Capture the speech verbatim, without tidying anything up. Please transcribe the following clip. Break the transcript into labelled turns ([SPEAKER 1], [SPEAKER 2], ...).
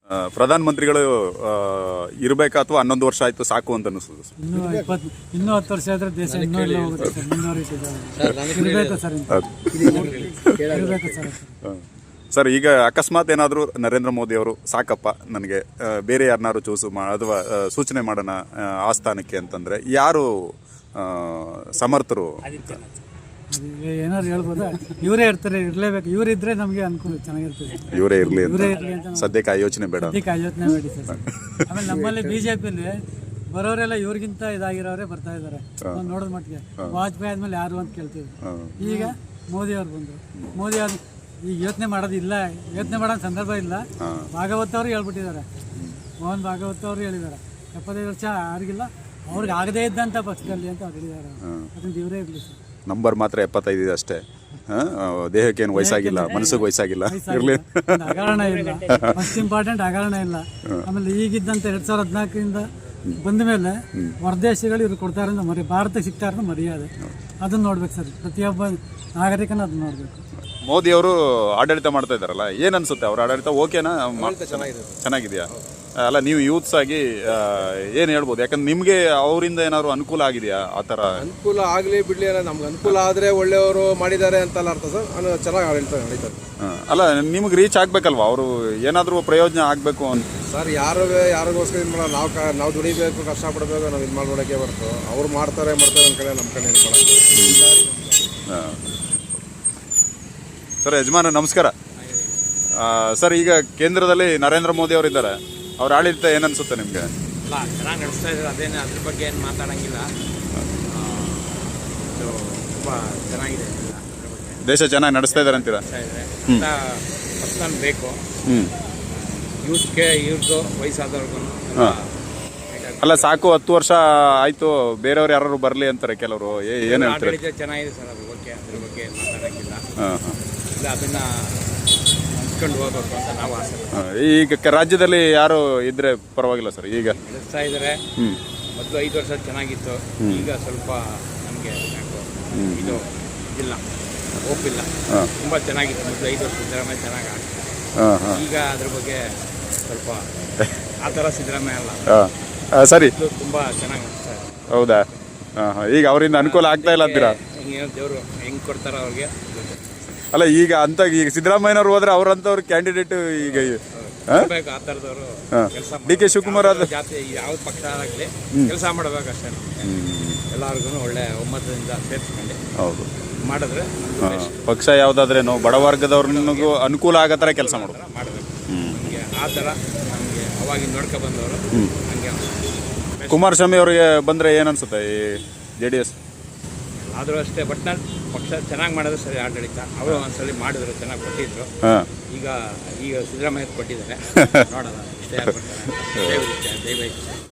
[SPEAKER 1] ಪ್ರಧಾನ ಮಂತ್ರಿಗಳು ಇರಬೇಕಾ ಅಥವಾ ಹನ್ನೊಂದು ವರ್ಷ ಆಯ್ತು ಸಾಕು ಅಂತ ಅನಿಸ್ತದೆ?
[SPEAKER 2] ಇನ್ನೂ ಇಪ್ಪತ್ತು ಇನ್ನೂ ಹತ್ತು ವರ್ಷ ಆದ್ರೆ ದೇಶ ಇನ್ನೂ ಇಲ್ಲ ಹೋಗುತ್ತೆ ಸರ್, ಮುಂದುವರಿತಿದ್ದಾರೆ. ಇರಬೇಕು ಸರ್, ಇರಬೇಕು ಸರ್.
[SPEAKER 1] ಸರ್, ಈಗ ಅಕಸ್ಮಾತ್ ಏನಾದರೂ ನರೇಂದ್ರ ಮೋದಿ ಅವರು ಸಾಕಪ್ಪ ನನಗೆ ಬೇರೆ ಯಾರನ್ನಾರು ಚೂಸು ಮಾ ಅಥವಾ ಸೂಚನೆ ಮಾಡೋಣ ಆ ಸ್ಥಾನಕ್ಕೆ ಅಂತಂದರೆ ಯಾರು ಸಮರ್ಥರು?
[SPEAKER 2] ಏನಾದ್ರು ಹೇಳ್ಬೋದಾ? ಇವರೇ ಇರ್ತಾರೆ, ಇರಲೇಬೇಕು. ಇವರಿದ್ರೆ ನಮಗೆ ಅನುಕೂಲ ಚೆನ್ನಾಗಿರ್ತದೆ.
[SPEAKER 1] ಇವರೇ ಇರಲಿ
[SPEAKER 2] ಇವರೇ ಇರಲಿ ಅಂತ
[SPEAKER 1] ಸದ್ಯಕ್ಕೆ ಆ ಯೋಚನೆ ಬೇಡ,
[SPEAKER 2] ಸದ್ಯಕ್ಕೆ ಆ ಯೋಚನೆ ಬೇಡಿ ಸರ್. ಆಮೇಲೆ ನಮ್ಮಲ್ಲಿ ಬಿಜೆಪಿಯಲ್ಲಿ ಬರೋರೆಲ್ಲ ಇವ್ರಿಗಿಂತ ಇದಾಗಿರೋರೇ ಬರ್ತಾ ಇದ್ದಾರೆ ನೋಡೋದ್ ಮಟ್ಟಿಗೆ. ವಾಜಪೇಯಿ ಆದ್ಮೇಲೆ ಯಾರು ಅಂತ ಕೇಳ್ತೀವಿ, ಈಗ ಮೋದಿ ಅವ್ರು ಬಂದರು. ಮೋದಿ ಅವ್ರು ಈಗ ಯೋಚನೆ ಮಾಡೋದಿಲ್ಲ, ಯೋಚನೆ ಮಾಡೋ ಸಂದರ್ಭ ಇಲ್ಲ. ಭಾಗವತ್ ಅವರು ಹೇಳ್ಬಿಟ್ಟಿದ್ದಾರೆ, ಮೋಹನ್ ಭಾಗವತ್ ಅವರು ಹೇಳಿದ್ದಾರೆ ಎಪ್ಪತ್ತೈದು ವರ್ಷ ಯಾರಿಗಿಲ್ಲ, ಅವ್ರಿಗೆ ಆಗದೇ ಇದ್ದಂಥ ಪಕ್ಷದಲ್ಲಿ ಅಂತ ಅವ್ರು ಹೇಳಿದ್ದಾರೆ. ಅದರಿಂದ ಇವರೇ ಇರಲಿ ಸರ್.
[SPEAKER 1] ನಂಬರ್ ಮಾತ್ರ ಎಪ್ಪತ್ತೈದು ಇದೆ ಅಷ್ಟೇ, ದೇಹಕ್ಕೆ ಏನು ವಯಸ್ಸಾಗಿಲ್ಲ, ಮನಸ್ಸಿಗೆ ವಯಸ್ಸಾಗಿಲ್ಲ, ಇರಲಿ
[SPEAKER 2] ಹಗರಣ ಇಲ್ಲ. ಫಸ್ಟ್ ಇಂಪಾರ್ಟೆಂಟ್ ಹಗರಣ ಇಲ್ಲ. ಆಮೇಲೆ ಈಗಿದ್ದಂತ ಎರಡ್ ಸಾವಿರದ ಹದಿನಾಲ್ಕರಿಂದ ಬಂದ ಮೇಲೆ ಹೊರದೇಶಗಳು ಇವ್ರು ಕೊಡ್ತಾರೆ ಅಂತ ಮರಿ, ಭಾರತಕ್ಕೆ ಸಿಗ್ತಾರ ಮರ್ಯಾದೆ, ಅದನ್ನ ನೋಡ್ಬೇಕು ಸರ್. ಪ್ರತಿಯೊಬ್ಬ ನಾಗರಿಕನ ಅದನ್ನ ನೋಡ್ಬೇಕು.
[SPEAKER 1] ಮೋದಿ ಅವರು ಆಡಳಿತ ಮಾಡ್ತಾ ಇದ್ದಾರಲ್ಲ, ಏನ್ ಅನ್ಸುತ್ತೆ ಅವ್ರ ಆಡಳಿತ? ಓಕೆನಾ? ಚೆನ್ನಾಗಿದೆಯಾ? ಅಲ್ಲ, ನೀವು ಯೂತ್ಸ್ ಆಗಿ ಏನ್ ಹೇಳ್ಬೋದು? ಯಾಕಂದ್ರೆ ನಿಮ್ಗೆ ಅವರಿಂದ ಏನಾದ್ರು ಅನುಕೂಲ ಆಗಿದೆಯಾ? ಆ ತರ
[SPEAKER 3] ಅನುಕೂಲ ಆಗ್ಲಿ ಬಿಡ್ಲಿ, ನಮ್ಗೆ ಅನುಕೂಲ ಆದ್ರೆ ಒಳ್ಳೆಯವರು ಮಾಡಿದ್ದಾರೆ ಅಂತಲ್ಲ ಅರ್ಥ ಸರ್. ನಾನು ಚೆನ್ನಾಗಿ ಆಡಳಿತ ನಡೀತಾರೆ.
[SPEAKER 1] ಅಲ್ಲ, ನಿಮ್ಗೆ ರೀಚ್ ಆಗ್ಬೇಕಲ್ವಾ? ಅವರು ಏನಾದ್ರು ಪ್ರಯೋಜನ ಆಗ್ಬೇಕು ಅಂತ
[SPEAKER 3] ಸರ್. ಯಾರು ಯಾರಿಗೋಸ್ಕರ ಇದು ಮಾಡೋ, ನಾವು ನಾವು ದುಡಿಬೇಕು, ಕಷ್ಟಪಡಬೇಕು, ನಾವು ಇದು ಮಾಡ್ಕೊಡಕ್ಕೆ ಬರ್ತು. ಅವ್ರು ಮಾಡ್ತಾರೆ ಮಾಡ್ತಾರೆ ನಮ್ಮ ಕಡೆ ನಮ್ಮ ಕಡೆ ಇದು ಮಾಡೋದು.
[SPEAKER 1] ಸರ್, ಯಜಮಾನ ನಮಸ್ಕಾರ. ಸರ್, ಈಗ ಕೇಂದ್ರದಲ್ಲಿ ನರೇಂದ್ರ ಮೋದಿ ಅವರು ಇದ್ದಾರೆ, ಅವ್ರ ಆಡಳಿತ ಏನನ್ಸುತ್ತೆ ನಿಮಗೆ?
[SPEAKER 4] ಅಲ್ಲ, ಚೆನ್ನಾಗಿ ನಡೆಸ್ತಾ ಇದ್ದಾರೆ, ಅದೇನು ಅದ್ರ ಬಗ್ಗೆ ಏನು ಮಾತಾಡೋಂಗಿಲ್ಲ. ತುಂಬ ಚೆನ್ನಾಗಿದೆ,
[SPEAKER 1] ದೇಶ ಚೆನ್ನಾಗಿ ನಡೆಸ್ತಾ ಇದ್ದಾರೆ ಅಂತೀರಾ?
[SPEAKER 4] ಪರ್ಸನ್ ಬೇಕು ಯೂತ್ಗೆ, ಇವ್ರದ್ದು ವಯಸ್ಸಾದವ್ರಿಗೂ.
[SPEAKER 1] ಅಲ್ಲ, ಸಾಕು ಹತ್ತು ವರ್ಷ ಆಯ್ತು, ಬೇರೆಯವ್ರು ಯಾರು ಬರಲಿ ಅಂತಾರೆ ಕೆಲವರು, ಏನು ಹೇಳ್ತಾರೆ?
[SPEAKER 4] ಆಡಳಿತ ಚೆನ್ನಾಗಿದೆ ಸರ್, ಅದ್ರ ಬಗ್ಗೆ ಅದ್ರ ಬಗ್ಗೆ ಮಾತಾಡೋಂಗಿಲ್ಲ. ಇಲ್ಲ, ಅದನ್ನ ಹೋಗ್ಬೇಕು ಅಂತ ನಾವು ಆಸೆ.
[SPEAKER 1] ಈಗ ರಾಜ್ಯದಲ್ಲಿ ಯಾರು ಇದ್ರೆ ಪರವಾಗಿಲ್ಲ ಸರ್? ಈಗ
[SPEAKER 4] ನಡೆಸ್ತಾ ಇದ್ದಾರೆ. ಮೊದಲು ಐದು ವರ್ಷ ಚೆನ್ನಾಗಿತ್ತು, ಈಗ ಸ್ವಲ್ಪ ನಮಗೆ ಇದು ಇಲ್ಲ, ಒಪ್ಪಿಲ್ಲ. ತುಂಬ ಚೆನ್ನಾಗಿತ್ತು ಮೊದಲು ಐದು ವರ್ಷ ಸಿದ್ದರಾಮಯ್ಯ ಚೆನ್ನಾಗಿ ಆಗ್ತಿತ್ತು. ಈಗ ಅದ್ರ ಬಗ್ಗೆ ಸ್ವಲ್ಪ ಆ ಥರ ಸಿದ್ದರಾಮಯ್ಯ ಅಲ್ಲ,
[SPEAKER 1] ಸರಿ,
[SPEAKER 4] ತುಂಬ ಚೆನ್ನಾಗಿ ನಡೆಸ್ತಾ ಇದೆ.
[SPEAKER 1] ಹೌದಾ? ಈಗ ಅವರಿಂದ ಅನುಕೂಲ ಆಗ್ತಾ ಇಲ್ಲ ಅಂತೀರಾ?
[SPEAKER 4] ಹಿಂಗೇನೋ ದೇವರು ಹೆಂಗೆ ಕೊಡ್ತಾರ ಅವ್ರಿಗೆ.
[SPEAKER 1] ಅಲ್ಲ, ಈಗ ಅಂತ ಈಗ ಸಿದ್ದರಾಮಯ್ಯನವ್ರು ಹೋದ್ರೆ ಅವ್ರಂತವ್ರು ಕ್ಯಾಂಡಿಡೇಟ್ ಈಗ
[SPEAKER 4] ಆ ಥರದವರು ಕೆಲಸ.
[SPEAKER 1] ಡಿ ಕೆ ಶಿವಕುಮಾರ್ ಆದ
[SPEAKER 4] ಜಾತಿ ಯಾವ ಪಕ್ಷ ಆಗಲಿ ಕೆಲಸ ಮಾಡಬೇಕಷ್ಟೇ. ಎಲ್ಲರಿಗೂ ಒಳ್ಳೆ ಒಮ್ಮತದಿಂದ ಸೇರಿಸ್ಕೊಂಡು
[SPEAKER 1] ಹೌದು
[SPEAKER 4] ಮಾಡಿದ್ರೆ
[SPEAKER 1] ಪಕ್ಷ ಯಾವುದಾದ್ರೇನು ಬಡವರ್ಗದವ್ರಿಗೂ ಅನುಕೂಲ ಆಗೋ ಥರ ಕೆಲಸ ಮಾಡೋದು
[SPEAKER 4] ಮಾಡಬೇಕು. ನಮಗೆ ಆ ಥರ ನಮಗೆ ಅವಾಗಿನ ನೋಡ್ಕೊ ಬಂದವರು ಹಂಗೆ.
[SPEAKER 1] ಕುಮಾರಸ್ವಾಮಿ ಅವರಿಗೆ ಬಂದರೆ ಏನನ್ಸುತ್ತೆ ಈ ಜೆ ಡಿ ಎಸ್?
[SPEAKER 4] ಆದರೂ ಅಷ್ಟೇ, ಬಟ್ ನಾನು ಪಕ್ಷ ಚೆನ್ನಾಗಿ ಮಾಡಿದ್ರೆ ಸರಿ ಆಡಳಿತ. ಅವರು ಒಂದ್ಸಲಿ ಮಾಡಿದ್ರು, ಚೆನ್ನಾಗಿ ಕೊಟ್ಟಿದ್ರು. ಈಗ ಈಗ ಸಿದ್ದರಾಮಯ್ಯ ಕೊಟ್ಟಿದ್ದಾರೆ, ನೋಡೋಣ ಇಷ್ಟೇ. ದಯವಿಟ್ಟು ದಯವಿಟ್ಟು